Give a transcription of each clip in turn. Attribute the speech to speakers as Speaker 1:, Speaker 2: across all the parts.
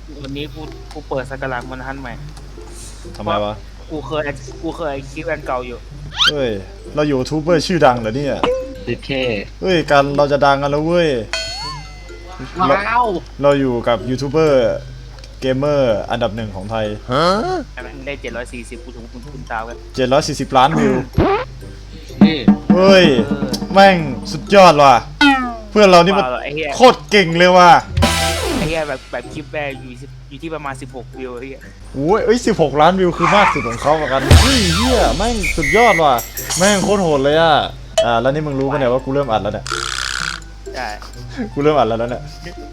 Speaker 1: วันนี้กูเปิดสกราชมันทันใหม่
Speaker 2: ทำไมวะ
Speaker 1: กูเคยคลิปอันเก่าอยู่
Speaker 2: เฮ้ยเราอยู่ยูทูบเบอร์ชื่อดังเหรอเนี่ย
Speaker 3: ดิเค
Speaker 2: เฮ้ยกันเราจะดังกันแล้วเว้ย
Speaker 3: ว้าว
Speaker 2: เราอยู่กับยูทูบเบอร์เกมเมอร์อันดับหนึ่งของไทย
Speaker 1: ได้740กูถึงคุณตากัน
Speaker 2: 740 ล้านวิว
Speaker 3: นี่
Speaker 2: เฮ้ยแม่งสุดยอดว่ะเพื่อนเรานี่มันโคตรเก่งเลยว่ะ
Speaker 1: ไอ้เหี้ยแบบคลิปแรกอยู่ที่ประมาณ16วิวไอ้เหี้ย
Speaker 2: โอ้ย16 ล้านวิวคือมากสุดของเขาเหมือนกันเฮ้ยเฮียแม่งสุดยอดว่ะแม่งโคตรโหดเลยอ่ะแล้วนี่มึงรู้ปะเนี่ยว่ากูเริ่มอัดแล้วเนี่ย
Speaker 1: ใช่
Speaker 2: กูเริ่มอัดแล้วเนี่ย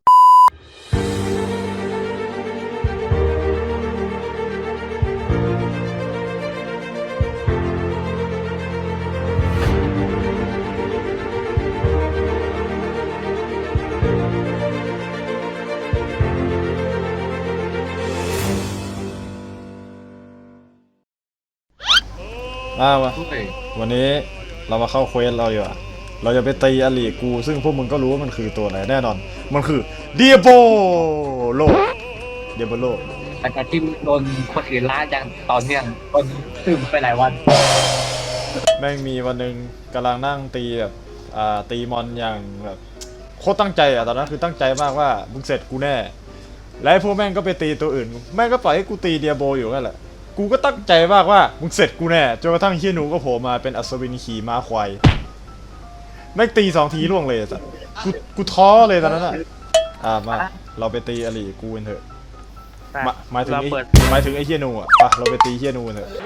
Speaker 2: มาวันนี้เรามาเข้าเควสเราอยู่อะเราจะไปตีอลีกูซึ่งพวกมึงก็รู้ว่ามันคือตัวไหนแน่นอนมันคือเดียโบโล
Speaker 3: หลังจากที่โดนคนอื่นล่าอย่างตอนเนี้ยโดนซึมไปหลายวัน
Speaker 2: แม่งมีวันหนึ่งกำลังนั่งตีแบบตีมอนอย่างแบบโคตรตั้งใจอะตอนนั้นคือตั้งใจมากว่ามึงเสร็จกูแน่และพวกแม่งก็ไปตีตัวอื่นแม่งก็ปล่อยให้กูตีเดียโบอยู่นั่นแหละกูก็ตั้งใจมากว่ามึงเสร็จกูแน่จนกระทั่งเฮียหนูก็โผล่มาเป็นอัศวินขี่ม้าควายแม่งตี2 ทีล่วงเลยสัสกูท้อเลยตอนนั้นอ่ะมาเราไปตีอลีกูกันเถอะหมายถึงไอ้เฮียหนูอ่ะเราไปตีเฮียหนูกันเถอะ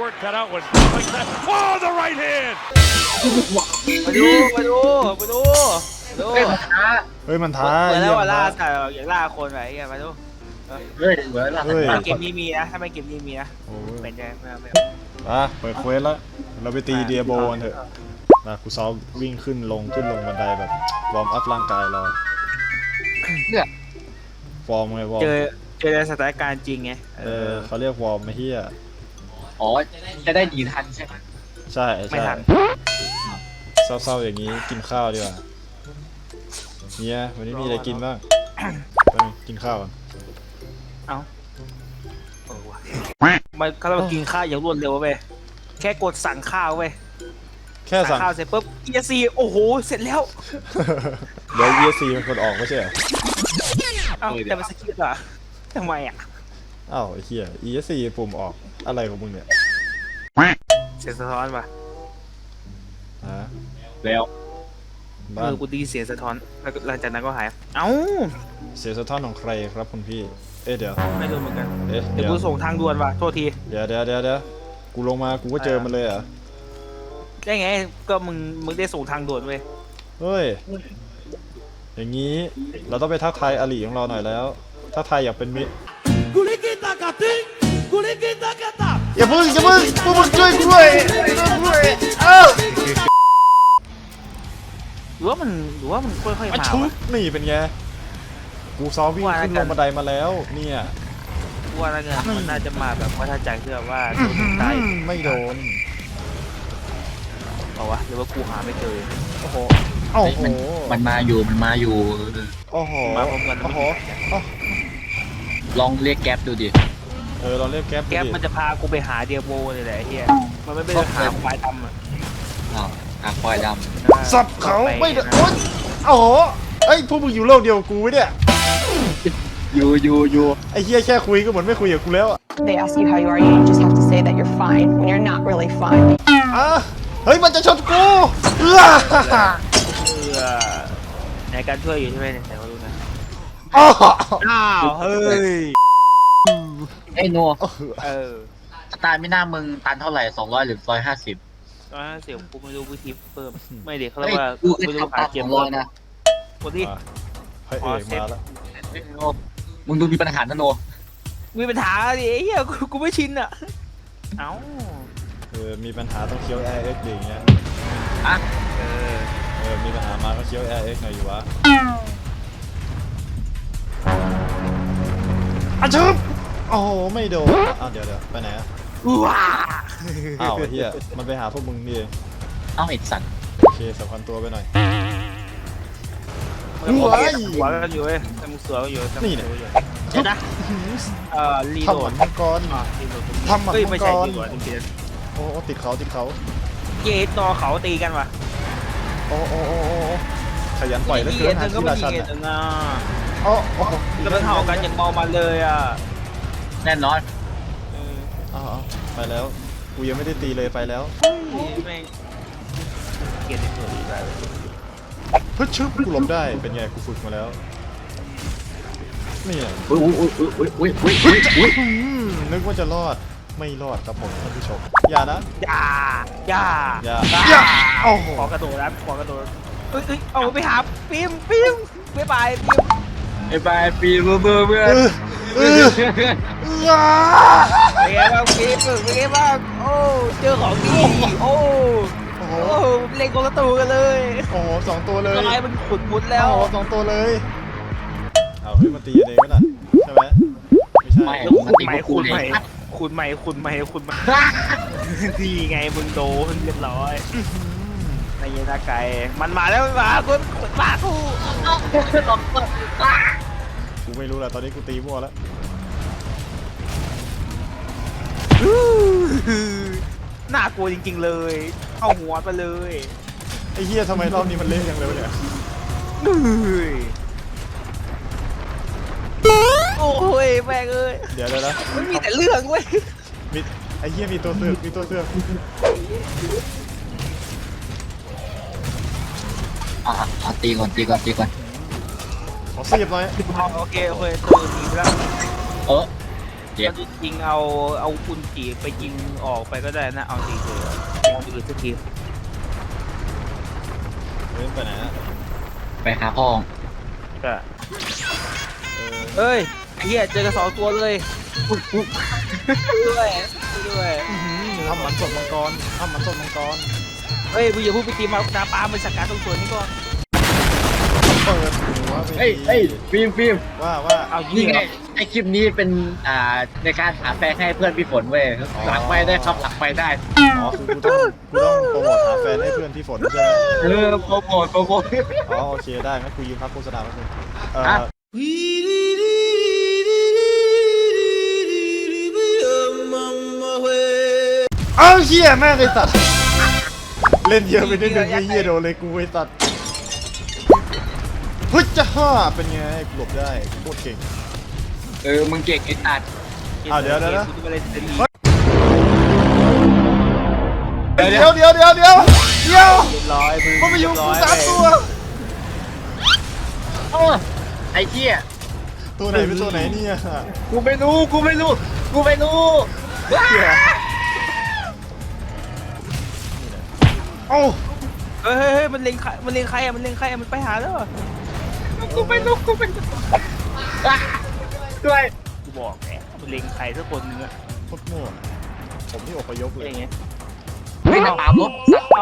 Speaker 1: มาดู
Speaker 2: เฮ้ยมันท้า
Speaker 1: เหมือนแล้วว่าล่าสัตว์อย่างล่าคนไอ้เหี้ยมาดู
Speaker 3: เฮ้ยเหมือนล่า
Speaker 1: เกมนี้มีนะถ้าไม่เกมนี้มีนะเป็นใจไม่
Speaker 2: เปิดเควสแล้วเราไปตีเดียโบกันเถอะกูซ้อมวิ่งขึ้นลงบันไดแบบวอร์มอัพร่างกายเรา
Speaker 3: เนี่ย
Speaker 2: ฟอร์มไงวอร์ม
Speaker 1: เจอสถานการณ์จริงไง
Speaker 2: เขาเรียกวอร์มไม่เฮีย
Speaker 3: อ๋อจะได้หนีทันใช่ไหม
Speaker 2: ใช่
Speaker 1: ไม่ทัน
Speaker 2: เศร้าๆอย่างนี้กินข้าวดีกว่าเนี่ยวันนี้มีอะไรกินบ้างกินข้าว
Speaker 1: มันเขาต้องกินข้าวอย่างรวดเร็วเว้ยแค่กดสั่งข้าวเว้ย
Speaker 2: แค่สั่ง
Speaker 1: ข้าวเสร็จปุ๊บESCโอ้โหเสร็จแล้ว
Speaker 2: เดี๋ยว ESC มันคนออกไม่ใช่เหรอ
Speaker 1: แต่มันสกิปอะทำไมอะ
Speaker 2: ไอ้เหี้ย ESC ปุ่มออกอะไรของมึงเนี่ย
Speaker 1: เสียงสะท้อนป่ะ
Speaker 3: แล้ว
Speaker 1: กูดีเสียงสะท้อนแล้วหลังจากนั้นก็หาย
Speaker 2: เสียงสะท้อนของใครครับคุณพี่เดี๋ยว
Speaker 1: ไม่รู้เหมือนกัน
Speaker 2: เดี๋ยว
Speaker 1: กูส่งทางด่วนว่ะโทษที
Speaker 2: เดี๋ยวกูลงมากูก็เจอมันเลย
Speaker 1: ได้ไงก็มึงได้ส่งทางด่วนเว้ย
Speaker 2: เฮ้ยอย่างนี้เราต้องไปทักทายอลีของเราหน่อยแล้วทักทายอยากเป็นมิตรอย่าพึ่งพวกมึงช่วยกูด้วย
Speaker 1: หรือว่ามันค่อยๆมา
Speaker 2: นี่เป็นไงกูซ้อมวิ่งขึ้นลงบันไดมาแล้วเนี่ย
Speaker 1: ว่าแล้วเนี่ยมันน่าจะมาแบบว่าถ้าใจเชื่อว่าโดนตาย
Speaker 2: ไม่โดน
Speaker 1: เอาวะหรือว่ากูหาไม่เจอ
Speaker 2: โอ้โห
Speaker 3: มันมาอยู่
Speaker 2: โอ้โห
Speaker 1: มาพร้อมกัน
Speaker 3: ลองเรียกแก๊ปดูดิ
Speaker 2: เราเรียกแก๊ป
Speaker 1: มันจะพากูไปหาเดียโบเลยแหละไอ้เหี้ยมันไม่ไปหาควายดำ
Speaker 3: ควายดำ
Speaker 2: สับเขาไม่ได้โอ้โหพวกมึงอยู่โลกเดียวกูไว้เนี่ย
Speaker 3: อยู่
Speaker 2: ไอ้เหี้ยแค่คุยก็เหมือนไม่คุยกับกูแล้ว
Speaker 4: They ask you how you are, you just have to say that you're fine when you're not really fine.
Speaker 2: เฮ้ยมันจะชนกู
Speaker 1: ในการช่วยอยู่ใช่ไหมเนี่ยไหนมาดูนะเฮ้ย
Speaker 3: โนตายไม่น่ามึงตันเท่าไหร่200หรือ
Speaker 1: 150กูไม่รู้วิธีเพิ่มไม่เด็กเขาเรียกว่าไม่รู้หาเกมเลยนะกดดิ
Speaker 2: ให้เอกมาแล้ว
Speaker 3: มึงดูมีปัญหาโน
Speaker 1: มีปัญหาดิเฮียกูไม่ชินอ่ะ
Speaker 2: มีปัญหาต้องเคี้ยว RX อย่างเงี้ยมีปัญหามาก็เคี้ยว RX หน่อยอยู่วะชุบโอ้โหไม่โดนเดี๋ยวไปไหนเฮียมันไปหาพวกมึงนี่เอง
Speaker 3: ไอ้สัตว์
Speaker 2: โอเคสำคัญตัวไปหน่อย
Speaker 1: หัวกันอยู่เว้ยแต่มึงเสืออยู่
Speaker 2: นี่เนี่ย
Speaker 1: เดี๋ยวนะรีโหล
Speaker 2: ทำหมั
Speaker 1: ด
Speaker 2: นมังกร
Speaker 1: รีโหลด
Speaker 2: ทำหมัน
Speaker 1: เฮ้ย
Speaker 2: มั
Speaker 1: ไม่
Speaker 2: งก
Speaker 1: ใช่
Speaker 2: ร
Speaker 1: รีโหลดจริง
Speaker 2: โอ้ติดเขาติดเขา
Speaker 1: ๆเยตอเขาตีกันว่ะ
Speaker 2: โอ้ขยันปล่อยแล้วเกินหาที่ราชัน
Speaker 1: เย
Speaker 2: อ่ะ
Speaker 1: ตนะ
Speaker 2: โอ้
Speaker 1: แล้วมันเห่ากันอย่างเมามันเลยอ่ะ
Speaker 3: แน่นอน
Speaker 2: ไปแล้วกูยังไม่ได้ตีเลยไปแล้ว
Speaker 1: แม่งเกลียดในตัวนี้ไป
Speaker 2: เฮ้ยชึบกูหลบได้เป็นไงกูฝึกมาแล้วนี่แหละ
Speaker 3: อุ้ย
Speaker 2: นึกว่าจะรอดไม่รอดครับผมท่านผู้ชมอย่านะ
Speaker 1: อย่า
Speaker 2: อย่าโอ้โห
Speaker 1: ขอกระโดดนะขอกระโดดเอ้ยเอาไปหาปิมบ๊ายบายปิม
Speaker 3: ไอ้บายปีเบื่อ
Speaker 2: เออ
Speaker 1: เป็นไงบ้างปิมเป็นไงบ้างโอ้เจอของดีโอ้เล่นคนละตัวกันเลย
Speaker 2: โอ้โหสองตัวเลย
Speaker 1: ลายมันขุดมุดแล้ว
Speaker 2: โอ้โหสองตัวเลยเอาเฮ้ยมาตีกันเองไหมล่ะใช่ไหมไม่ใช่
Speaker 1: แล้วขุดใหม่ดีไงมึงโดนเรียบร้อยในยันตาไก่มันมาแล้วมันมาคุณมากู
Speaker 2: กูไม่รู้แหละตอนนี้กูตีมั่วแล้ว
Speaker 1: น่ากลัวจริงๆเลยเข้าหัวไปเลย
Speaker 2: ไอ้เหี้ยทำไมรอบนี้มันเละจังเลยวะเนี่ย
Speaker 1: โอ้ยแม่งเอ้ย
Speaker 2: เดี๋ยวนะ
Speaker 1: มันมีแต่เรื่องเว้ย
Speaker 2: มีไอ้เหี้ยมีตัวเสือกมีตัวเสือก
Speaker 3: ตีก่อน
Speaker 2: ขอเสียบหน่อย
Speaker 1: โอเคตัวหนีไปแล้ว
Speaker 3: เจ็บ
Speaker 1: จริงๆเอาคุณจีไปยิงออกไปก็ได้นะเอาจริงเลยเอาจริงสักที
Speaker 2: เล่นไปไหนฮะ
Speaker 3: ไปหาพ่อ
Speaker 1: ก็เอ้ยไอ้เหี้ยเจอกัน2 ตัวเลยด้วย
Speaker 2: ทำหมันสดมังกรทำหมันสดมังกร
Speaker 1: เฮ้ยมึงอย่าพูดไปตีมานาปามันสักการตรงส่วนนี้ก่อน
Speaker 2: เปิดหัวไป
Speaker 3: ฟิล์ม
Speaker 2: ว่า
Speaker 1: เอา
Speaker 3: นี่
Speaker 1: นี่
Speaker 3: ไงไอคลิปนี้เป็นในการหาแฟนให้เพื่อนพี่ฝนเว้ยหลังไปได้ครับหลังไปได้
Speaker 2: อ๋อคือกูต้องโปรโมทหาแฟนให้เพื่อนพี่ฝนใช่ไหม
Speaker 3: โปรโมท
Speaker 2: อ๋อโอเคได้งั้นกูยืมพักโฆษณาแป๊บนึง
Speaker 3: อ่ะ
Speaker 2: อ้าวเหี้ยแม่งไอ้สัตว์เล่นเยอะไปนิดนึงไอ้เหี้ยโดนเลยกูไอ้สัตว์เฮ้ยจะฮ่าเป็นไงกูหลบได้โคตรเก่ง
Speaker 3: มึงเก่งไอ้ตัด
Speaker 2: เดี๋ยวนะ
Speaker 1: กูจะมาเล่นเซรี
Speaker 2: เดี๋ยว
Speaker 1: เรียบร้อยมึง
Speaker 2: มันมาอยู่กู3 ตัว
Speaker 3: ไอ้เหี้ย
Speaker 2: ตัวไหนเป็นตัวไหนเนี่ย
Speaker 3: กูไม่รู้
Speaker 2: เหี้ยเอ้า
Speaker 1: เฮ้ยมันเล็งใครอะมันไปหาแล้ว
Speaker 3: กูไม่รู้ด้วย
Speaker 1: กูบอกแหมมันเล็งใครสักคนนึงอะ
Speaker 2: โคตรมั่วผมนี่อพยพเล
Speaker 1: อะไร
Speaker 2: ย
Speaker 1: เงี้ย
Speaker 3: ไม่นาปามลบ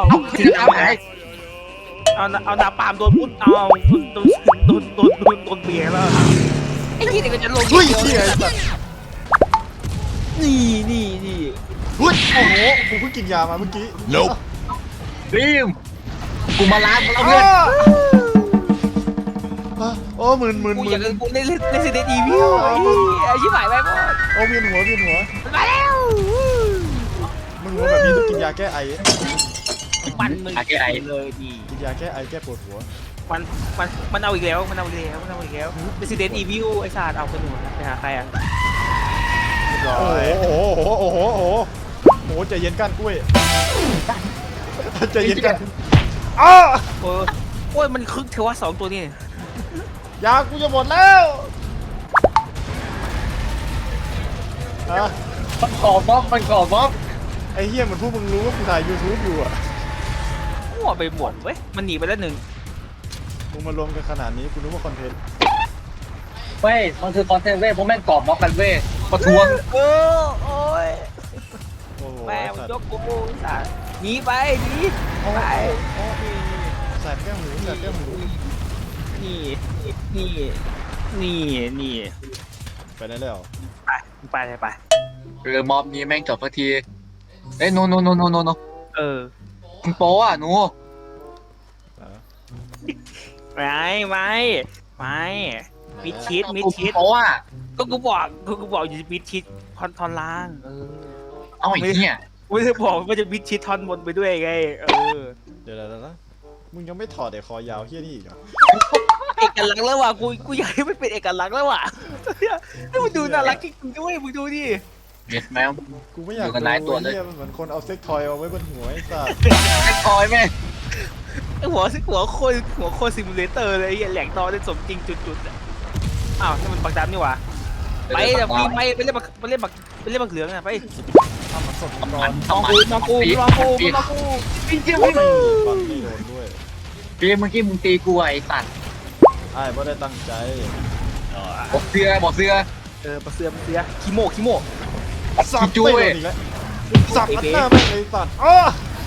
Speaker 1: เอานาปามโดนพุทธโดนเบียร์แล้วไอ้ที่นี่ก็จะลง
Speaker 2: เฮ้ยเหี้ยไอ้สัตว์
Speaker 1: นี่
Speaker 2: เฮ้ยโอ้โหกูเพิ่งกินยามาเมื่อกี้
Speaker 3: ฟิล์มกูมาล้างแล้ว
Speaker 2: อ้
Speaker 3: เพื่อน
Speaker 2: โอ้มึน
Speaker 1: กูอยากกูเล่นเซเดอีวิวไอ้ชิบหายไปหมด
Speaker 2: โอ้เวียนหัว
Speaker 1: มาแล้ว
Speaker 2: มึงรู้แบบนี้ต้องกินยาแก้ไอ
Speaker 1: มันเลยดี
Speaker 2: กินยาแก้ไอแก้ปวดหัว
Speaker 1: มันเอาอีกแล้วResident Evil ไอ้ศาสตร์เอาไปหนูไปหาใครอ่ะเรียบร้อย
Speaker 2: โอ้โหใจเย็นก้านกล้วยใจเย็นกันอ้า
Speaker 1: โอ้ยมันคึกเทว่า2 ตัวนี่
Speaker 2: ยากูจะหมดแล้วอะ
Speaker 3: มันก่อม็อบ
Speaker 2: ไอ้เหี้ยเหมือนพวกมึงรู้ว่ากูถ่าย YouTube อยู่อะ
Speaker 1: มั่วไปหมดเว้ยมันหนีไปแล้ว1
Speaker 2: มึงมารวมกันขนาดนี้กูนึกว่าคอนเทนต์
Speaker 3: เว้ยมันคือคอนเทนต์เว้ยพวกแม่งก่อม็อบกันเว้ยประท้วง
Speaker 1: โอ้ย
Speaker 2: โอ้โห
Speaker 1: แม่มัน
Speaker 2: สัต
Speaker 1: ย
Speaker 2: ว์
Speaker 1: กกูศาสตร์หนีไปไป
Speaker 2: ใส่แก้วหู
Speaker 1: นี่
Speaker 2: ไปได้แล้ว
Speaker 1: ไป
Speaker 3: ม็อบนี้แม่งจบสักทีเอ้ยโนมึงโป๊อ่ะหนู
Speaker 1: ไม่มิดชิด
Speaker 3: โป๊อ่ะ
Speaker 1: ก็กูบอกอยู่มิดชิดท่อนล่าง
Speaker 3: เอาไอ้เนี่ย
Speaker 1: ไม่ได้บอกว่าจะมิดชิดท่อนบนไปด้วยไง
Speaker 2: เดี๋ยวนะมึงยังไม่ถอดไอ้คอยาวเฮี้ยนี่อีกเหรอ
Speaker 1: เอกลักษณ์แล้วว่ะกูอยากให้มันเป็นเอกลักษณ์แล้วว่ะนี่มันดูน่ารักจริงๆด้วยมึงดูดิ
Speaker 3: เห็นไหม
Speaker 2: กูไม่อยาก
Speaker 3: อยู่กับนายตัวเลย
Speaker 2: เฮี้ยมันเหมือนคนเอาเซ็กทอยเอาไว้บนหัวไอ้สัส
Speaker 3: ไอ้คอยแม่
Speaker 1: ไอหัวโคซิมูเลเตอร์เลยไอ้แหลกตอได้สมจริงจุดๆอ่ะอ้าวนี่มันปักดำนี่หว่าไปเดี๋ยวไปเล่นบักเหลืองอ่ะไป
Speaker 2: ทำมันสดก่อน
Speaker 1: มองกูจริงๆ
Speaker 2: ฟันไม่โดนด้วย
Speaker 3: พี่เมื่อกี้มึงตีกูไอ้สัตว์
Speaker 2: ไอ้ไม่ได้ตั้งใจ
Speaker 3: บอกเสื้อ
Speaker 1: ปักเสือคิโม
Speaker 2: สับไม่โดนอีกแล้วสับอัดหน้าแม่งเลยสัตว์อ้อ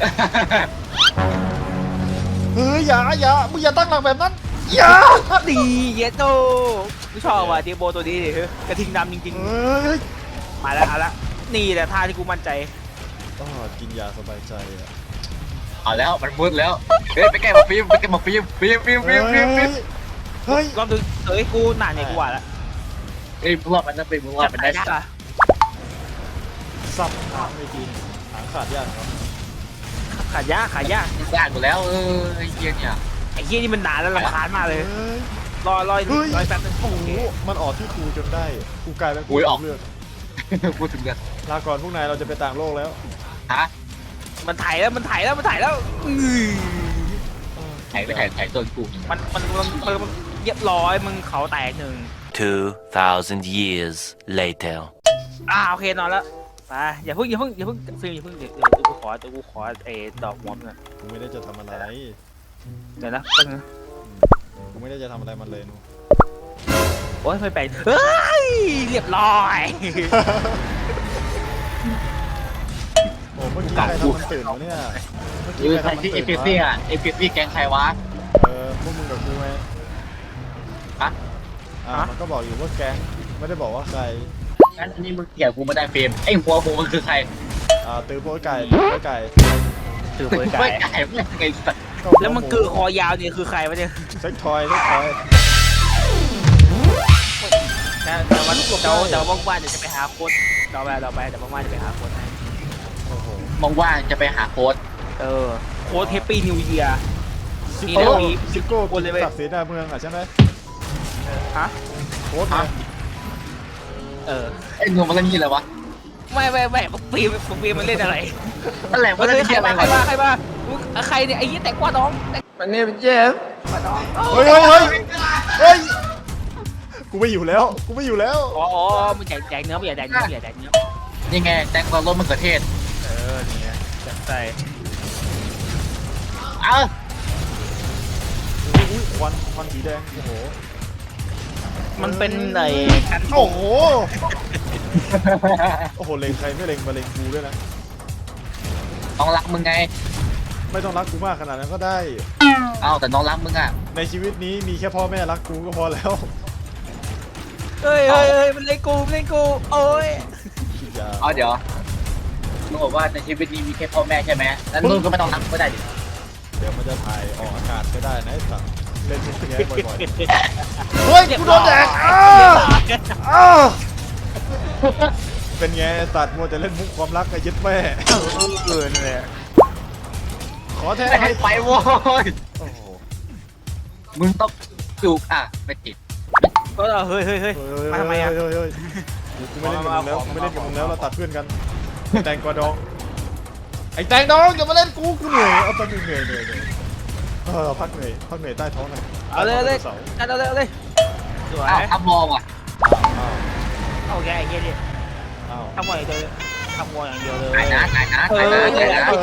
Speaker 2: เฮ้ยอย่ามึงอย่าตั้งหลักแบบนั้นอย่า
Speaker 1: ดีเยโต้ไม่ชอบว่ะเดโบตัวนี้ดิกระทิงดำจริง
Speaker 2: เฮ้ย
Speaker 1: ๆมาแล้วเอาละนี่แหละท่าที่กูมั่นใจ
Speaker 2: กินยาสบายใจอ่ะ
Speaker 3: เอาแล้วมันมืดแล้วเฮ้ยไปแก้มาฟิล์มฟิล์ม
Speaker 2: เฮ้ย
Speaker 1: รอบนึงกูหนาเนี่ยกูว่าละ
Speaker 3: เฮ้ยมึงรอดมันนะเป็นมึงรอดมันได้
Speaker 1: จับได้
Speaker 2: สับหางไม่กินหางขาดยากครับ
Speaker 1: ขายาก
Speaker 3: ยากหมดแล้วไอ้เหี้ยเนี่ย
Speaker 1: ไอ้เหี้ยนี่มันหนาแล้วรำคาญมากเลยรอยแป๊บนึง
Speaker 2: โอ้โหมันออกที่กูจนได้กูกลายเป็นเลือด
Speaker 3: พูดถึงกัน
Speaker 2: ลาก่อนพวกนายเราจะไปต่างโลกแล้ว
Speaker 3: ฮะ
Speaker 1: มันถ่ายแล้วถ่าย
Speaker 3: ถ่ายตัวกู
Speaker 1: มันเรียบร้อยมึงเขาแตกหนึ่ง
Speaker 5: 2,000 years later
Speaker 1: โอเคนอนแล้วไปอย่าเพิ่งฟิล์มอย่าเพิ่งเดี๋ยวกูขอไอ้ดอกมอมน่ะ
Speaker 2: กูไม่ได้จะทำอะไร
Speaker 1: เดี๋ยวนะ
Speaker 2: กูไม่ได้จะทำอะไรมันเลยนู
Speaker 1: โอ๊ยไม่ไปเฮ้ยเรียบร้อย
Speaker 2: โอ้เมื่อกี้ใครทำมันตื่นวะเนี่ยเมื่อกี้
Speaker 3: ใครที่เอฟพีแกงใครวะ
Speaker 2: พวกมึงกับกูไง
Speaker 3: ฮะ
Speaker 2: มันก็บอกอยู่ว่าแก๊งไม่ได้บอกว่าใคร
Speaker 3: งั้นอันนี้มึงเกี่ยวกูไม่ได้ฟิล์มไอ้หัวมึงคือใคร
Speaker 2: ตื้อโป้ไก่
Speaker 1: ถือเบอร์
Speaker 3: ไม่
Speaker 1: ไก่
Speaker 3: ไก่ไม่ไงสัตว์
Speaker 1: แล้วมันคือคอยาวเนี่ยคือใครวะเนี่ย
Speaker 2: เซ็กทอย
Speaker 1: แต่ว่าว่างๆเดี๋ยวจะไปหาโค้ดเราไปแต่ว่างๆจะไปหาโค้ดให้
Speaker 2: โอ้โห
Speaker 3: มองว่าจะไปหาโค้ด
Speaker 1: โค้ดแฮปปี้นิวเยียร์
Speaker 2: ซิโก้คนเลยศักดิ์ศรีหน้าเมืองใช่ไหม
Speaker 1: ฮะ
Speaker 2: โค้ดไง
Speaker 3: ไอ้หนุ่มมันเล่นยี่อะไรวะ
Speaker 1: ไม่ปีมันเล่นอะไร
Speaker 3: นั่นแหละมันเล่นยี่อะไร
Speaker 1: ใครบ้าใครเนี่ยไอ้ยี่แต่กว่าน้อง
Speaker 3: มันเนี่ยเป็นเจฟ
Speaker 2: เฮ้ยกูไม่อยู่แล้ว
Speaker 1: อ๋อมันแจกเนื้อไม่อยากแจกเนื้อ
Speaker 3: นี่ไงแตงกวารสมะเขือเทศ
Speaker 1: นี่ไงจัดใจ
Speaker 3: เอ้า
Speaker 2: อุ้ยควันสีแดงโอ้โห
Speaker 1: มันเป็นไอ้กัน
Speaker 2: โอ้โหเล็งใครไม่เล็งมาเล็งกูด้วยนะ
Speaker 3: น้องรักมึงไง
Speaker 2: ไม่ต้องรักกูมากขนาดนั้นก็ได้
Speaker 3: เอ้าแต่น้องรักมึงอ่ะ
Speaker 2: ในชีวิตนี้มีแค่พ่อแม่รักกูก็พอแล้ว
Speaker 1: เฮ้ยมันเล่นกูโอ้ย
Speaker 3: เอาเดี๋ยวมึงบอกว่าในชีวิตนี้มีแค่พ่อแม่ใช่ไหมแล้วมึงก็ไม่ต้องรักก็ได้ดิ
Speaker 2: เดี๋ยวมันจะถ่ายออกอากาศไม่ได้นะไอ้สัตว์เล่นมุกแง่บ่อยๆเฮ้ยกูโดนแดกเป็นไงไอ้สัตว์มัวแต่เล่นมุกความรักไอ้ยึดแม่
Speaker 1: นั่นแหละ
Speaker 2: ขอแท้
Speaker 3: ไม่ให้ไปโว้ย
Speaker 2: โอ้โห
Speaker 3: มึงต้องจูกไม่ติด
Speaker 1: ก็เฮ้ยมาทำไมอ่ะ
Speaker 2: เฮ้ยกูไม่เล่นกับมึงแล้วเราตัดเพื่อนกันแตงกวาดองไอ้แตงดองอย่ามาเล่นกูเหนื่อยเอาไปเหนื่อยพักเหนื่อยใต้ท้องหน่อย
Speaker 1: เอาเลยสวย
Speaker 3: ทำมองอ่ะ
Speaker 1: โอเคไอ้เงี้ยดิ
Speaker 2: อ้าว
Speaker 1: ทำมวยอย่างเดียวเลย
Speaker 3: ไหนนะ
Speaker 2: เอ้ย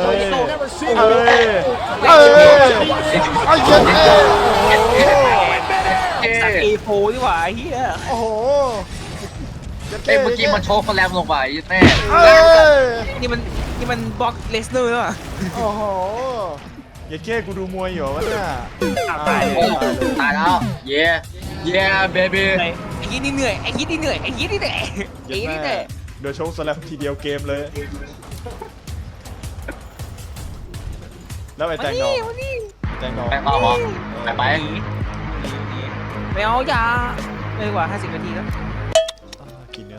Speaker 1: สัตว์เอโฟดีกว่าไอ้เหี้ย
Speaker 2: โอ้โห
Speaker 3: เอ้เมื่อกี้มันโชว์คนแรมลงไปแม่
Speaker 1: นี่มันบล็อกเลสเนอร์อ่ะ
Speaker 2: โอ้โหอย่าแค่กูดูมวยอยู่วะเนี่ย
Speaker 1: ตายเลย
Speaker 3: ตายแล้วเย่เบบี้
Speaker 1: ไอ้ยี่นี่เหนื่อย
Speaker 2: เดี๋ยวโชว์สแลมทีเดียวเกมเลย แล้วไอ้แตงดอง
Speaker 3: แป้งต่อหรอไป
Speaker 1: ไม่เอาอย่าเลยกว่า50 นาทีแล้ว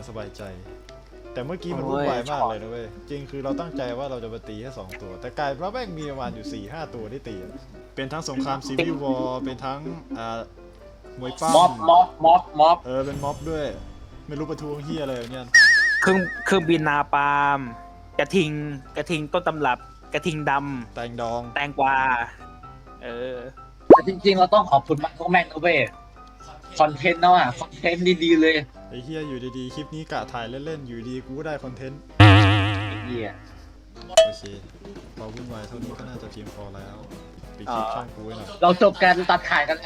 Speaker 2: อย่างสบายใจ แต่เมื่อกี้มันวุ่นวายมากเลยนะเว้ยจริงคือเราตั้งใจว่าเราจะมาตีแค่2 ตัว แต่กลายเป็นว่าแม่งมีประมาณอยู่ 4-5 ตัวที่ตีอะเป็นทั้งสงครามซีวิลวอร์เป็นทั้งมวยปั้ม
Speaker 3: ม็อบ
Speaker 2: เป็นม็อบด้วยไม่รู้ประท้วงเฮียอะไรอย่างเงี้ย
Speaker 1: เครื่องบินนาปาล์มกระทิงต้นตำรับกระทิงด
Speaker 2: แตงดอง
Speaker 1: ำแตงกวา
Speaker 3: แต่จริงๆเราต้องขอบคุณมันพวกแม่งนะเว้ยคอนเทนต์เนาะคอนเทนต์ดีๆเลย
Speaker 2: ไอ้เฮียอยู่ดีๆคลิปนี้กะถ่ายเล่นๆอยู่ดีกูก็ได้คอนเทนต์
Speaker 3: เหี้ย
Speaker 2: โอเคพอวุ่นวายเท่านี้ก็น่าจะเพียงพอแล้วปิดคลิปช่องกูไว้หน่อย
Speaker 3: เราจบการตัดขายกันแล้ว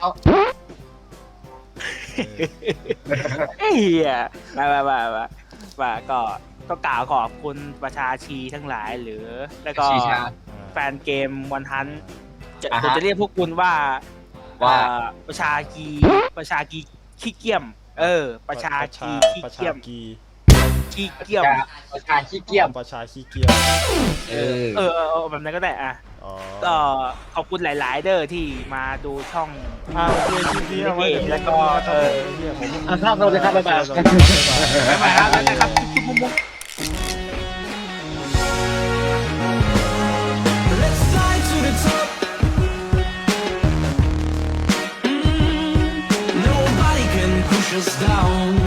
Speaker 1: เฮียมาก็กล่าวขอบคุณประชาชีทั้งหลายหรือแล้วก็
Speaker 3: ชีชา
Speaker 1: แฟนเกมวันฮัน
Speaker 3: อ่าฮะ
Speaker 1: ผมจะเรียกพวกคุณว่า
Speaker 3: ว่า
Speaker 1: ประชากีขี้เกียมประชากีขี้
Speaker 2: ประชา
Speaker 1: เกียม
Speaker 2: กี
Speaker 1: ขี้เกียม
Speaker 3: ประชาขี้เกียจ
Speaker 2: ประชาขี้เกียจ
Speaker 1: แบบนั้นก็ได้อ่ะ
Speaker 2: อ๋อ
Speaker 1: ก็ขอบคุณหลาย ๆ เด้อที่มาดูช่อง
Speaker 2: โอเคคลิปนี้เอาไว้
Speaker 1: แล้วก็
Speaker 2: เฮียผม
Speaker 3: ครับสวัสดีครับบ๊ายบาย
Speaker 1: บ๊ายบายครับนะครับ